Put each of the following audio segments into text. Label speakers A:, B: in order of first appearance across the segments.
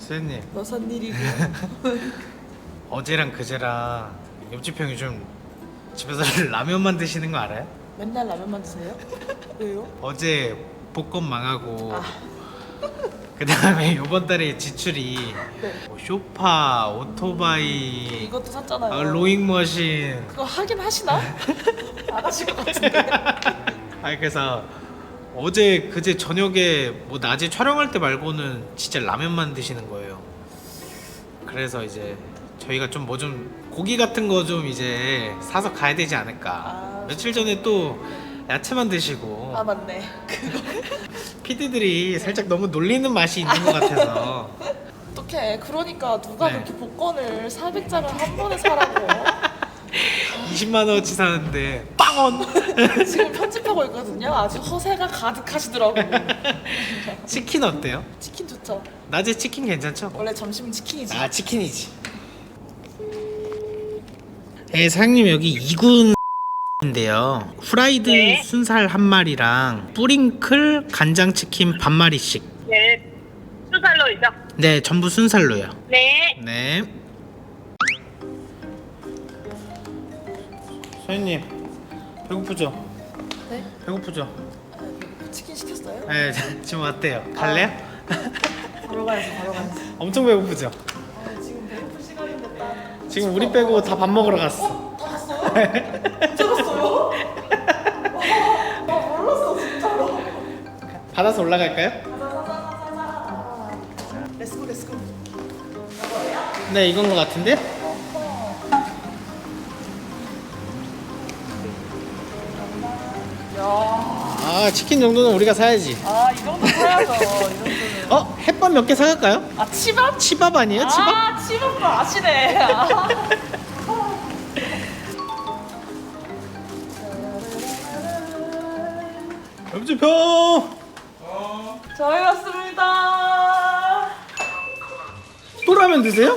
A: 소연님
B: 무슨 일이고?
A: 어제랑 그제랑 옆집 형 요즘 집에서 라면만 드시는 거 알아요?
B: 맨날 라면만 드세요? 왜요?
A: 어제 복권 망하고
B: 아.
A: 그 다음에 이번 달에 지출이
B: 네.
A: 뭐 쇼파, 오토바이,
B: 이것도 샀잖아요.
A: 로잉머신.
B: 그거 하긴 하시나? 안 하실 것 같은데.
A: 아니 그래서 어제 그제 저녁에 뭐 낮에 촬영할 때 말고는 진짜 라면만 드시는 거예요. 그래서 이제 저희가 좀 뭐 좀 고기 같은 거 좀 이제 사서 가야 되지 않을까.
B: 아,
A: 며칠 전에 또 야채만 드시고
B: 아 맞네.
A: PD들이 살짝 너무 놀리는 맛이 있는 것 같아서.
B: 어떡해. 그러니까 누가
A: 네.
B: 그렇게 복권을 400장을 한 번에 사라고.
A: 20만 원어치 사는데 빵원.
B: 지금 편집하고 있거든요. 아주 허세가 가득하시더라고.
A: 치킨 어때요?
B: 치킨 좋죠.
A: 낮에 치킨 괜찮죠?
B: 원래 점심은 치킨이지.
A: 아 치킨이지. 네 사장님 여기 2군인데요. 후라이드
C: 네.
A: 순살 한 마리랑 뿌링클 간장치킨 반 마리씩.
C: 네, 순살로이죠?
A: 네 전부 순살로요.
C: 네.
A: 네. 소연님 배고프죠?
B: 네?
A: 배고프죠?
B: 아, 치킨 시켰어요?
A: 네 지금 어때요? 갈래요?
B: 바로 가야지, 바로 가야지.
A: 엄청 배고프죠?
B: 아, 지금 배고플 시간인데 딱.
A: 지금 우리 빼고 다 밥 먹으러 갔어.
B: 다 갔어요? 언제 갔어요? 와, 몰랐어 진짜로.
A: 받아서 올라갈까요?
B: 렛츠고 렛츠고.
A: 네 이건 것 같은데?
B: 야,
A: 아 치킨 정도는 우리가 사야지.
B: 아, 이 정도 사야죠. 이 정도는.
A: 햇밥 몇 개 사갈까요?
B: 아, 치밥?
A: 치밥 아니에요? 치밥?
B: 아, 치밥도 아시네. 아.
A: 옆집 형!
B: 저희 왔습니다.
A: 또 라면 드세요?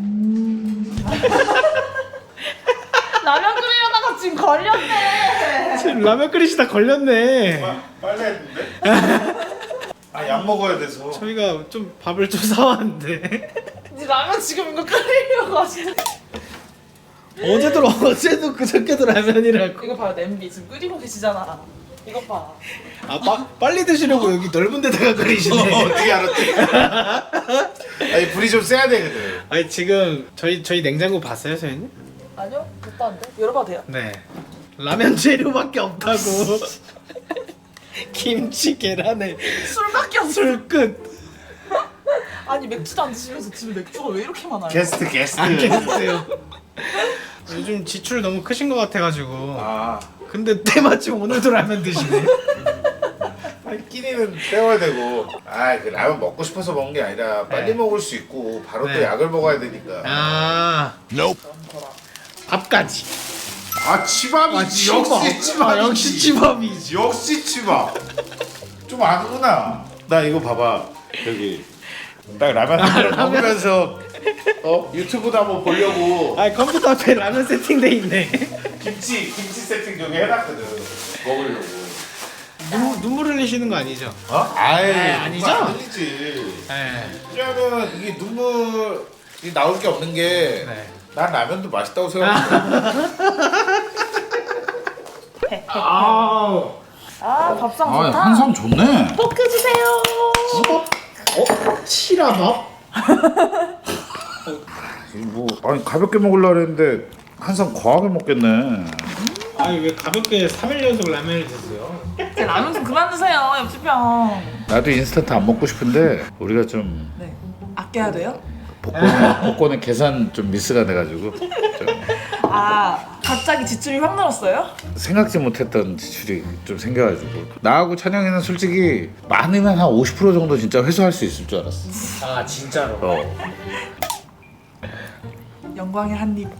B: 라면 끓이려다가 지금 걸렸네.
A: 지금 라면 끓이시다 걸렸네.
D: 빨리 했는데? 아, 약 먹어야 돼서.
A: 저희가 좀 밥을 좀 사왔는데
B: 이 라면 지금 이거 끓이려고 하시네.
A: 어제도 그저께도 라면이라고.
B: 이거 봐요, 냄비 지금 끓이고 계시잖아. 이거 봐.
A: 빨리 드시려고 여기 넓은 데다가 끓이시네.
D: 어떻게 알았지? 아니, 불이 좀 세야 되거든.
A: 아니 지금 저희 냉장고 봤어요, 소연님?
B: 아니요, 못 봤는데. 열어봐도 돼요?
A: 네. 라면 재료밖에 없다고. 김치, 계란에
B: 술밖에 없어.
A: 술 끝.
B: 아니, 맥주도 안 드시면서 집에 맥주가 왜 이렇게 많아요?
D: 게스트.
A: 안 계세요. 요즘 지출 너무 크신 것 같아가지고.
D: 아,
A: 근데 때마침 오늘도 라면 드시네.
D: 아니, 끼니는 때워야 되고. 아, 그 라면 먹고 싶어서 먹는 게 아니라 빨리
A: 네.
D: 먹을 수 있고 바로
A: 네.
D: 또 약을 먹어야 되니까.
A: 아, 밥까지.
D: 아, 치밥이지. 역시 치밥이지.
A: 역시 치밥이지.
D: 역시 치밥. 좀 아는구나. 나 이거 봐봐. 여기 딱 라면 한 그릇 먹으면서 유튜브도 한번 보려고
A: 아 컴퓨터 앞에 라면 세팅돼 있네.
D: 김치 세팅 저기 해놨거든. 먹으려고.
A: 눈물 흘리시는 거 아니죠?
D: 어? 아이,
A: 아니죠?
D: 안 흘리지.
A: 네.
D: 왜냐면 이게 눈물이 나올 게 없는 게 난
A: 네.
D: 라면도 맛있다고 생각해.
A: 아우.
B: 아, 밥상 좋다.
D: 좋네.
B: 포크 주세요.
A: 치라밥?
D: 뭐 아니 가볍게 먹으려고 했는데 항상 과하게 먹겠네.
A: 아니 왜 가볍게 3일 연속 라면을 드세요?
B: 제 라면 좀 그만 드세요, 옆집 형.
D: 나도 인스턴트 안 먹고 싶은데 우리가 좀
B: 네. 아껴야 돼요?
D: 복권에 계산 좀 미스가 돼가지고 좀
B: 아, 갑자기 지출이 확 늘었어요?
D: 생각지 못했던 지출이 좀 생겨가지고 나하고 찬영이는 솔직히 많으면 한 50% 정도 진짜 회수할 수 있을 줄 알았어.
A: 아 진짜로?
B: 영광의 한 입.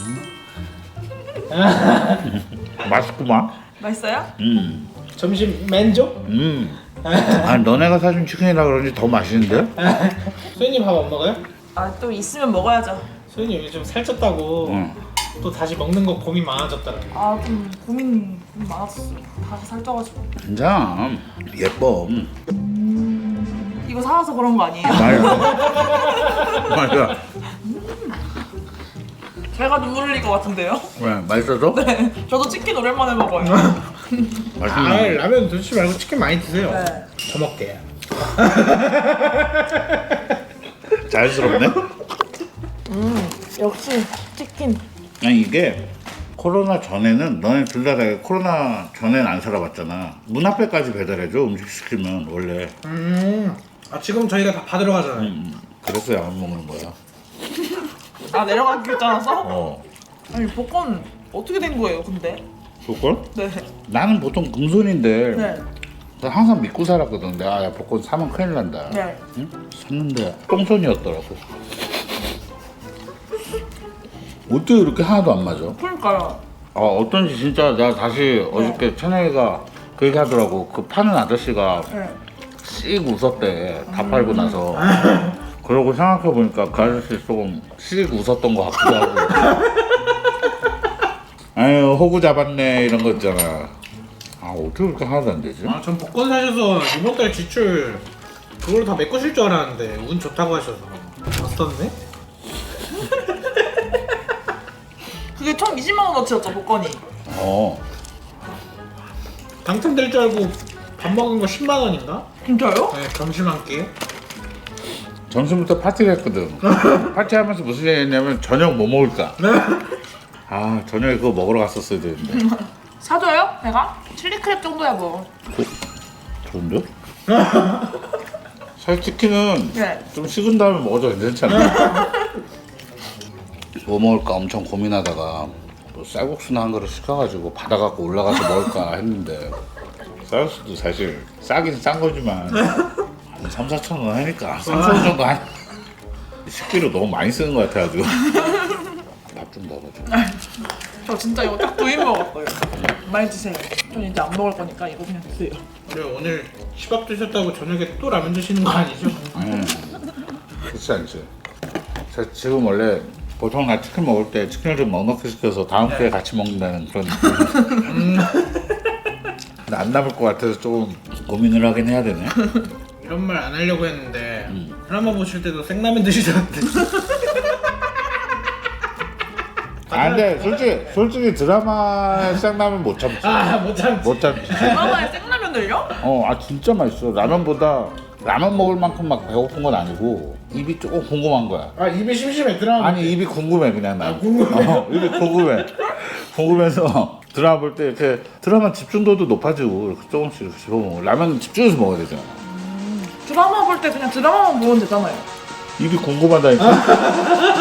D: 맛있구만.
B: 맛있어요?
A: 점심 맨족?
D: 아니 너네가 사준 치킨이라 그런지 더 맛있는데?
A: 소연님 밥 안 먹어요?
B: 아, 또 있으면 먹어야죠.
A: 소연님 요즘 살쪘다고 또 다시 먹는 거 고민 많아졌더라.
B: 아, 좀 고민 많았었어요. 다시 살쪄가지고.
D: 진짜 예뻐.
B: 이거 이거 사와서 그런 거 아니에요?
D: 맞아.
B: 제가 눈물 흘릴 것 같은데요?
D: 왜 맛있어서?
B: 네. 저도 치킨 오랜만에 먹어요.
A: 아
D: 맛있네.
A: 라면 드시지 말고 치킨 많이 드세요.
B: 네.
A: 더 먹게.
D: 자연스럽네.
B: 역시 치킨.
D: 아니 이게 코로나 전에는 너네 둘 다 코로나 전엔 안 살아봤잖아. 문 앞에까지 배달해줘 음식 시키면 원래.
A: 아 지금 저희가 다 받으러 가잖아요.
D: 그래서 안 먹는 거야.
B: 아 내려가기 귀찮아서?
D: 어.
B: 아니 복권 어떻게 된 거예요 근데?
D: 복권?
B: 네.
D: 나는 보통 금손인데
B: 네.
D: 나 항상 믿고 살았거든. 내가 야 복권 사면 큰일 난다.
B: 네.
D: 응? 샀는데 똥손이었더라고. 어떻게 이렇게 하나도 안 맞아?
B: 그러니까요.
D: 어떤지 진짜 내가 다시 어저께 찬영이가 그 얘기 하더라고. 그 파는 아저씨가
B: 네.
D: 씩 웃었대. 다 팔고 나서. 그러고 생각해보니까 그 아저씨 조금 씩 웃었던 것 같기도 하고. 아유 호구 잡았네 이런 거 있잖아. 아 어떻게 그렇게 하나도 안 되지?
A: 아전 복권 사셔서 이번 달 지출 그걸로 다 메꾸실 줄 알았는데 운 좋다고 하셔서 없었네.
B: 그게 총 20만 원어치였죠 복권이.
D: 어.
A: 당첨될 줄 알고 밥 먹은 거 10만 원인가?
B: 진짜요?
A: 네 점심 한 끼.
D: 점심부터 파티를 했거든. 파티하면서 무슨 얘기 했냐면 저녁 뭐 먹을까? 아 저녁에 그거 먹으러 갔었어야 되는데.
B: 사줘요? 내가? 칠리 크랩 정도야 뭐.
D: 좋은데? 사실 치킨은
B: 네.
D: 좀 식은 다음에 먹어도 괜찮잖아. 뭐 먹을까 엄청 고민하다가 또 쌀국수나 한 그릇 시켜가지고 받아갖고 올라가서 먹을까 했는데 쌀국수도 사실 싸긴 싼 거지만 한 3, 4천 원 하니까 3, 4천 원 정도 한 식비로 너무 많이 쓰는 것 같아가지고 밥 좀 먹어줘.
B: 저 진짜 이거 딱 2인 먹었어요. 많이 드세요. 전 이제 안 먹을 거니까 이거 그냥 드세요.
A: 그래 오늘 시밥 드셨다고 저녁에 또 라면 드시는 거 아니죠?
D: 그렇지 않지. 저 지금 원래 보통 나 치킨 먹을 때 치킨을 좀 넉넉히 시켜서 다음 주에 같이 먹는다는 그런 느낌. 근데 안 남을 것 같아서 조금 고민을 하긴 해야 되네.
A: 이런 말 안 하려고 했는데 드라마 보실 때도 생라면 드시던데.
D: 아 근데 솔직히 드라마 생라면 못 참지.
A: 아못 참지.
D: 못 참지.
B: 드라마에 생라면을요?
D: 아 진짜 맛있어. 라면보다 라면 먹을 만큼 막 배고픈 건 아니고 입이 조금 궁금한 거야.
A: 아 입이 심심해 드라마.
D: 아니 입이 궁금해 그냥 나.
A: 궁금해?
D: 입이 궁금해. 궁금해서 드라마 볼 때 이렇게 드라마 집중도도 높아지고 이렇게 조금씩 이렇게 씹어먹어. 라면 집중해서 먹어야 되잖아.
B: 드라마 볼 때 그냥 드라마만 보면 되잖아요.
D: 입이 궁금하다니까.